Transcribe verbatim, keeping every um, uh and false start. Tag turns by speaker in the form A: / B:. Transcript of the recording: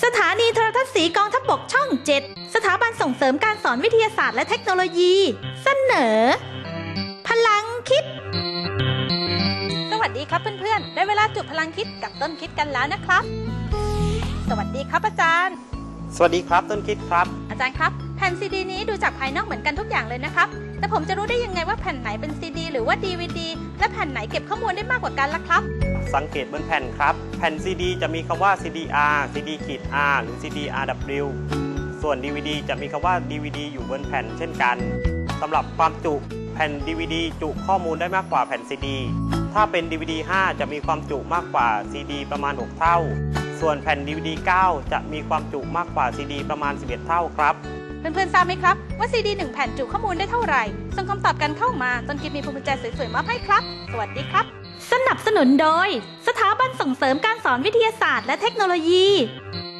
A: สถานีโทรทัศน์สีกองทัพบกช่องเจ็ดสถาบันส่งเสริมการสอนวิทยาศาสตร์และเทคโนโลยี เสนอ พลังคิดสวัสดีครับเพื่อนๆได้เวลาจุดพลังคิดกับต้นคิดกันแล้วนะครับสวัสดีครับอาจารย์
B: สวัสดีครับต้นคิดครับ
A: อาจารย์ครับแผ่นซีดีนี้ดูจากภายนอกเหมือนกันทุกอย่างเลยนะครับแต่ผมจะรู้ได้ยังไงว่าแผ่นไหนเป็นซีดีหรือว่าดีวีดีและแผ่นไหนเก็บข้อมูลได้มากกว่ากันล่ะครับ
B: สังเกตบนแผ่นครับแผ่น ซี ดี จะมีคำว่า ซี ดี อาร์ ซี ดี อาร์ หรือ ซี ดี อาร์ ดับเบิลยู ส่วน ดี วี ดี จะมีคำว่า ดี วี ดี อยู่บนแผ่นเช่นกันสำหรับความจุแผ่น ดี วี ดี จุข้อมูลได้มากกว่าแผ่น ซี ดี ถ้าเป็น ดี วี ดี ห้า จะมีความจุมากกว่า ซี ดี ประมาณหกเท่าส่วนแผ่น ดี วี ดี เก้า จะมีความจุมากกว่า ซี ดี ประมาณสิบเอ็ดเท่าครับ
A: เพื่อนๆทราบไหมครับว่าซีดีหนึ่งแผ่นจุข้อมูลได้เท่าไหร่ส่งคำตอบกันเข้ามาต้นคิดมีพวงกุญแจสวยๆมอบให้ครับสวัสดีครับสนับสนุนโดยสถาบันส่งเสริมการสอนวิทยาศาสตร์และเทคโนโลยี